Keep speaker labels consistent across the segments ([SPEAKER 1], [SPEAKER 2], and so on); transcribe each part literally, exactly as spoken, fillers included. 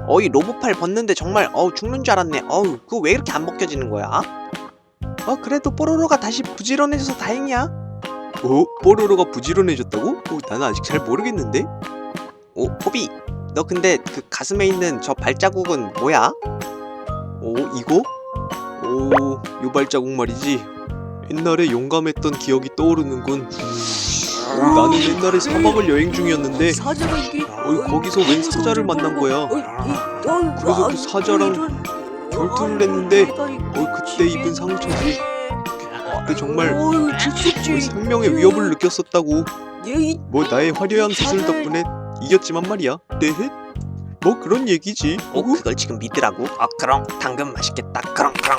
[SPEAKER 1] 어이 로봇팔 벗는데 정말 어우 죽는 줄 알았네. 어우 그거 왜 이렇게 안 벗겨지는 거야? 어 그래도 뽀로로가 다시 부지런해져서 다행이야. 어? 뽀로로가 부지런해졌다고? 어, 나는 아직 잘 모르겠는데? 오 포비 너 근데 그 가슴에 있는 저 발자국은 뭐야? 오 이거? 오 요 발자국 말이지. 옛날에 용감했던 기억이 떠오르는군. 오, 나는 옛날에 사막을 여행 중이었는데
[SPEAKER 2] 사자가 이게
[SPEAKER 1] 어이, 거기서 웬 사자를 만난 거야. 그래서 그 사자랑 결투를 했는데 어 그때 입은 상처지. 그때 정말 거의 생명의 위협을 느꼈었다고. 뭐 나의 화려한 기술 덕분에 이겼지만 말이야. 네헷? 뭐 그런 얘기지. 어 그걸 지금 믿으라고? 아 그럼 당근 맛있겠다. 그럼 그럼.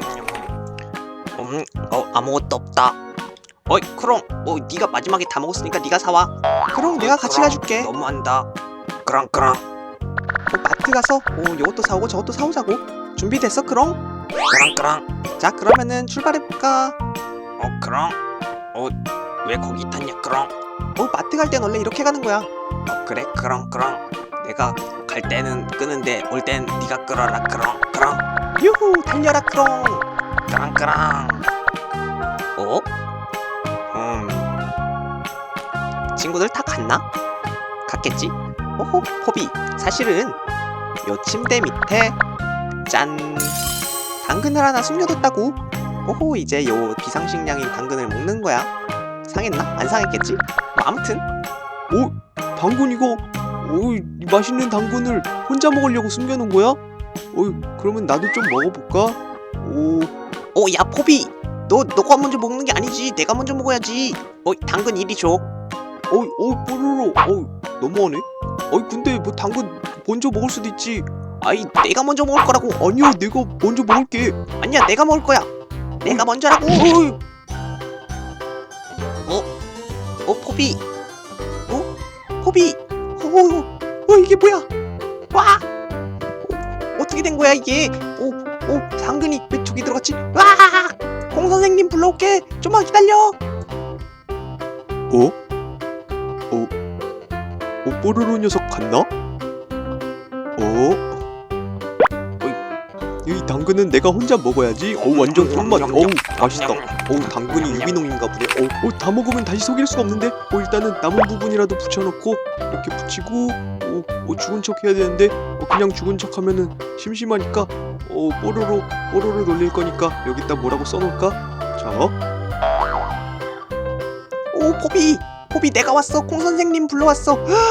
[SPEAKER 1] 음, 어 아무것도 없다. 어이 크롱, 어 네가 마지막에 다 먹었으니까 네가 사와. 크롱 내가 같이 가줄게. 너무한다. 크롱 크롱. 어, 마트 가서 어 이것도 사오고 저것도 사오자고. 준비됐어 크롱? 크롱 크롱. 자 그러면은 출발해볼까? 어 크롱. 어 왜 거기 탔냐 크롱? 어 마트 갈 땐 원래 이렇게 가는 거야. 어 그래 크롱 크롱. 내가 갈 때는 끄는데 올 땐 네가 끌어라 크롱 크롱. 유후 달려라 크롱. 크롱 크롱. 어? 음... 친구들 다 갔나? 갔겠지? 오호 포비 사실은 요 침대 밑에 짠 당근을 하나 숨겨뒀다고. 오호 이제 요 비상식량인 당근을 먹는 거야. 상했나? 안 상했겠지? 뭐 아무튼 오 당근 이거 오 맛있는 당근을 혼자 먹으려고 숨겨놓은 거야? 어 그러면 나도 좀 먹어볼까? 오 오 야 포비 너 너가 먼저 먹는 게 아니지. 내가 먼저 먹어야지. 어이 당근 이리 줘. 어이 어이 뽀로로 어이 너무하네. 어이 근데 뭐 당근 먼저 먹을 수도 있지. 아이 내가 먼저 먹을 거라고. 아니야 내가 먼저 먹을게. 아니야 내가 먹을 거야. 내가 먼저라고. 어이. 어? 어 포비. 어? 포비. 어, 어 이게 뭐야? 와. 어, 어떻게 된 거야 이게? 오, 오 당근이 왜 저기 들어갔지? 와. 공 선생님 불러올게. 좀만 기다려. 어? 어? 어 뽀로로 녀석 갔나? 어? 이 당근은 내가 혼자 먹어야지. 어 완전 꿀맛. 어우 맛있다. 어우 당근이 유기농인가 보네. 어, 어, 다 먹으면 다시 속일 수가 없는데. 어 일단은 남은 부분이라도 붙여놓고 이렇게 붙이고. 어, 어 죽은 척 해야 되는데. 어, 그냥 죽은 척 하면은 심심하니까. 어 뽀로로 뽀로로 놀릴 거니까 여기다 뭐라고 써놓을까? 자. 오 포비 포비 내가 왔어. 콩 선생님 불러왔어.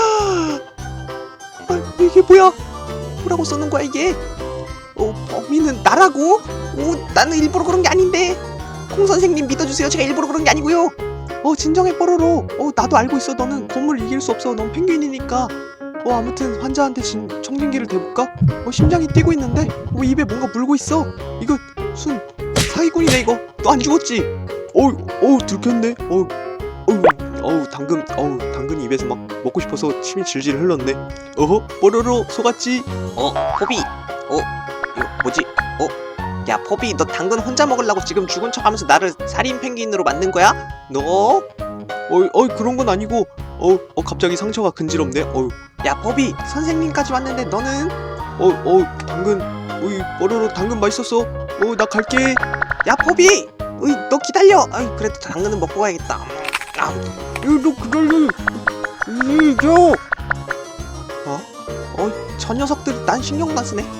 [SPEAKER 1] 아, 이게 뭐야? 뭐라고 써놓은 거야 이게? 어, 범인은 나라고? 오, 나는 일부러 그런 게 아닌데. 콩 선생님 믿어주세요. 제가 일부러 그런 게 아니고요. 어, 진정해 뽀로로. 어, 나도 알고 있어. 너는 곰을 이길 수 없어. 넌 펭귄이니까. 어, 아무튼 환자한테 진, 청진기를 대볼까? 어, 심장이 뛰고 있는데. 어, 입에 뭔가 물고 있어. 이거 순 사기꾼이네 이거. 너 안 죽었지? 어우, 어우 들켰네. 어우, 어우, 어우 당근, 어우 당근이 입에서 막 먹고 싶어서 침이 질질 흘렀네. 어허, 뽀로로 속았지? 어, 포비. 어. 이거 뭐지? 어? 야 포비 너 당근 혼자 먹으려고 지금 죽은 척하면서 나를 살인 펭귄으로 만든 거야? 너? 어이 어이 그런 건 아니고 어, 어 갑자기 상처가 근지럽네. 어이 야 포비 선생님까지 왔는데 너는? 어, 어 당근 어이 뽀로로 당근 맛있었어. 어 나 갈게. 야 포비 어이 너 기다려. 어이 그래도 당근은 먹고 가야겠다. 아, 너 기다려. 이겨. 어? 어 저 녀석들 난 신경도 안 쓰네.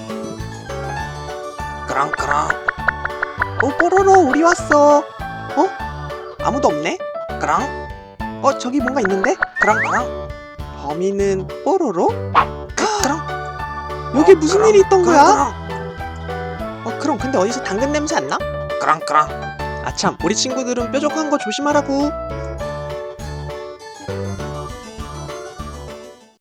[SPEAKER 1] 크랑크랑. 어 뽀로로 우리 왔어. 어? 아무도 없네? 크랑? 어 저기 뭔가 있는데? 크랑크랑. 범인은 뽀로로? 크랑? 여기 무슨 일이 있던 거야? 어 그럼 근데 어디서 당근 냄새 안 나? 크랑크랑. 아참 우리 친구들은 뾰족한 거 조심하라고.